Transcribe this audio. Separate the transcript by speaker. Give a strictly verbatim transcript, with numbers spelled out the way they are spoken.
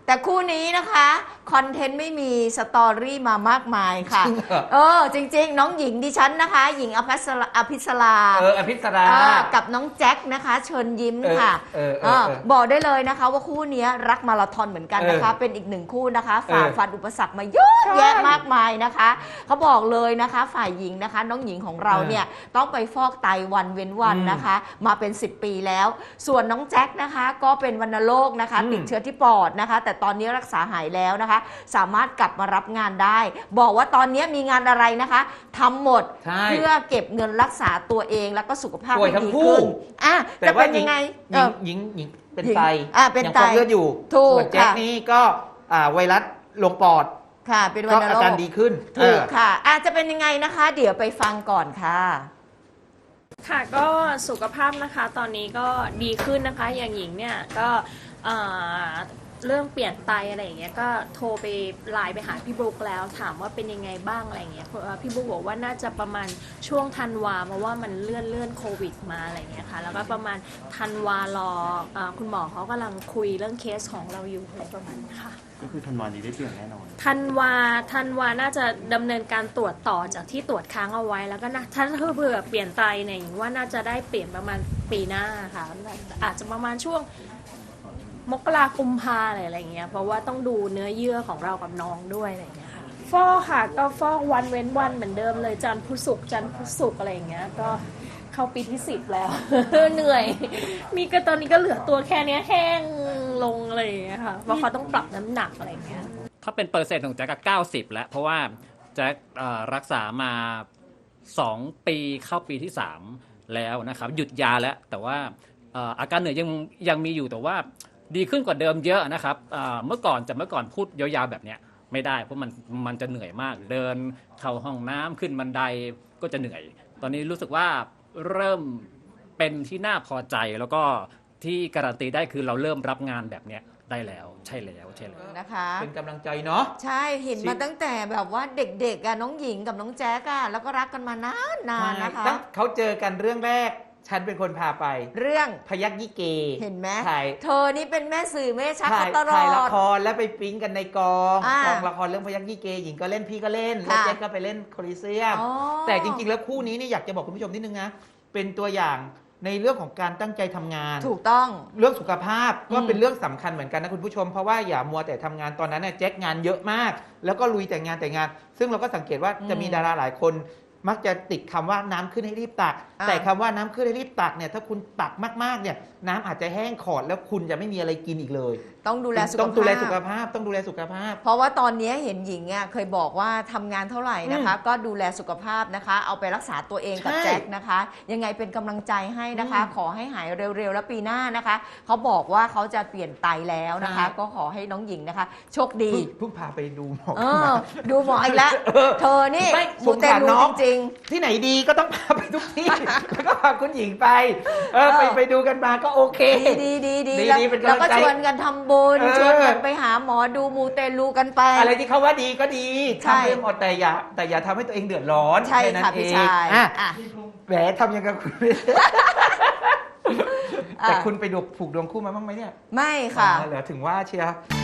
Speaker 1: แต่คู่นี้นะคะคอนเทนต์ไม่มีสตอรี่มามากมายค่ะเออจริงๆน้องหญิงดิฉันนะคะหญิงอภิสราอภิสรา
Speaker 2: เอออภิสรา
Speaker 1: กับน้องแจ็คนะคะเชิญยิ้มค่ะบอกได้เลยนะคะว่าคู่นี้รักมาราธอนเหมือนกันนะคะเป็นอีกหนึ่งคู่นะคะฝ่าฟันอุปสรรคมาเยอะแยะมากมายนะคะเขาบอกเลยนะคะฝ่ายหญิงนะคะน้องหญิงของเราเนี่ยต้องไปฟอกไตวันเว้นวันนะคะมาเป็นสิบปีแล้วส่วนน้องแจ็คนะคะก็เป็นวัณโรคนะคะติดเชื้อที่ปอดนะคะแต่ตอนนี้รักษาหายแล้วนะคะสามารถกลับมารับงานได้บอกว่าตอนนี้มีงานอะไรนะคะทำหมดเพื่อเก็บเงินรักษาตัวเองแล้วก็สุขภาพให้ดีขึ้นอ่ะจะเป็นยังไง
Speaker 2: หญิงหญิงเป็นไต
Speaker 1: เป็นไต
Speaker 2: เลือดอยู่ส่วนแจ็คนี่ก็ไวรัสลงปอด
Speaker 1: ค่ะเป็นวัณโรค
Speaker 2: อาการดีขึ้น
Speaker 1: ถูกค่ะอาจจะเป็นยังไงนะคะเดี๋ยวไปฟังก่อนค่ะ
Speaker 3: ค่ะก็สุขภาพนะคะตอนนี้ก็ดีขึ้นนะคะอย่างหญิงเนี่ยก็เรื่องเปลี่ยนไตอะไรอย่างเงี้ยก็โทรไปไลน์ไปหาพี่บุ๊กแล้วถามว่าเป็นยังไงบ้างอะไรอย่างเงี้ยพี่บุ๊กบอกว่าน่าจะประมาณช่วงธันวาเพราะว่ามันเลื่อนเลื่อนโควิดมาอะไรอย่างเงี้ยค่ะแล้วก็ประมาณธันวารอคุณหมอเขากำลังคุยเรื่องเคสของเราอยู่อะไรประมาณนี้ค่ะ
Speaker 4: ก็คือธันวานี้ได้เปลี่ยนแน่นอน
Speaker 3: ธันวาธันวาน่าจะดำเนินการตรวจต่อจากที่ตรวจค้างเอาไว้แล้วก็นะถ้าเผื่อเปลี่ยนไตเนี่ยหญิงว่าน่าจะได้เปลี่ยนประมาณปีหน้าค่ะอาจจะประมาณช่วงมกราคมกุมภาอะไรอย่างเงี้ยเพราะว่าต้องดูเนื้อเยื่อของเรากับน้องด้วยอะไรอย่างเงี้ยค่ะฟอกค่ะก็ฟอกวันเว้นวันเหมือนเดิมเลยจันทร์พุธศุกร์จันทร์พุธศุกร์อะไรอย่างเงี้ยก็เข้าปีที่สิบแล้ว เหนื่อยมีก็ตอนนี้ก็เหลือตัวแค่นี้แห้งลงอะไรอย่างเงี้ยค่ะเพราะเขาต้องปรับน้ำหนักอะไรอย่างเงี้ย
Speaker 5: ถ้าเป็นเปอร์เซ็นต์ของแจ็คก็เก้าสิบแล้วเพราะว่าแจ็ครักษามาสองปีเข้าปีที่สามแล้วนะครับหยุดยาแล้วแต่ว่าอาการเหนื่อยยังยังมีอยู่แต่ว่าดีขึ้นกว่าเดิมเยอะนะครับเมื่อก่อนจะเมื่อก่อนพูดยาวๆแบบนี้ไม่ได้เพราะมันมันจะเหนื่อยมากเดินเข้าห้องน้ำขึ้นบันไดก็จะเหนื่อยตอนนี้รู้สึกว่าเริ่มเป็นที่น่าพอใจแล้วก็ที่การันตีได้คือเราเริ่มรับงานแบบนี้ได้แล้วใช่แล้วใช่แล้ว
Speaker 1: นะคะ
Speaker 2: เป็นกำลังใจเนาะ
Speaker 1: ใช่เห็นมาตั้งแต่แบบว่าเด็กๆอะน้องหญิงกับน้องแจ๊กอะแล้วก็รักกันมานานๆนะคะ
Speaker 2: เขาเจอกันเรื่องแรกฉันเป็นคนพาไป
Speaker 1: เรื่อง
Speaker 2: พยัคฆ์ยี่เก
Speaker 1: เห็นไหมเธอนี่เป็นแม่สื่อแม่ชักตลอด
Speaker 2: ถ่ายละครแล้วไปปิ๊งกันในกองกองละครเรื่องพยัคฆ์ยี่เกหญิงก็เล่นพี่ก็เล่นแล้วแจ็คก็ไปเล่นโคลิเซียมแต่จริงๆแล้วคู่นี้นี่อยากจะบอกคุณผู้ชมนิดนึงนะเป็นตัวอย่างในเรื่องของการตั้งใจทำงาน
Speaker 1: ถูกต้อง
Speaker 2: เรื่องสุขภาพก็เป็นเรื่องสำคัญเหมือนกันนะคุณผู้ชมเพราะว่าอย่ามัวแต่ทำงานตอนนั้นเนี่ยแจ็คงานเยอะมากแล้วก็ลุยแต่งานแต่งานซึ่งเราก็สังเกตว่าจะมีดาราหลายคนมักจะติดคำว่าน้ำขึ้นให้รีบตักแต่คำว่าน้ำขึ้นให้รีบตักเนี่ยถ้าคุณตักมากๆเนี่ยน้ำอาจจะแห้งขอดแล้วคุณจะไม่มีอะไรกินอีกเลย
Speaker 1: ต้องดูแลสุขภาพ
Speaker 2: ต้องดูแลสุขภาพต้องดูแลสุขภาพ
Speaker 1: เพราะว่าตอนนี้เห็นหญิงอ่ะเคยบอกว่าทำงานเท่าไหร่นะคะก็ดูแลสุขภาพนะคะเอาไปรักษาตัวเองกับแจ็คนะคะยังไงเป็นกำลังใจให้นะคะขอให้หายเร็วๆแล้วปีหน้านะคะเขาบอกว่าเขาจะเปลี่ยนไตแล้วนะคะก็ขอให้น้องหญิงนะคะโชคดี
Speaker 2: เพิ่งพาไปดูหมอ
Speaker 1: ดูหมออีกแล้วเธอนี่มูเตลูจริง
Speaker 2: ๆที่ไหนดีก็ต้องพาไปทุกที่แล้วก็พาคุณหญิงไปเออไปไปดูกันมาก็โอเค
Speaker 1: ดีดีดีแล้วก็ชวนกันทำบุญชวนกันไปหาหมอดูมูเตลูกันไป
Speaker 2: อะไรที่เขาว่าดีก็ดีทำให้หมดแต่อย่าแต่อย่าทำให้ตัวเองเดือดร้อน
Speaker 1: ใช่ค่ะพี่ชาย
Speaker 2: แหมทำยังไงคุณแต่คุณไปดูผูกดวงคู่มาบ้างไหมเนี่ย
Speaker 1: ไม่ค่ะ
Speaker 2: เหลือถึงว่าเชียร์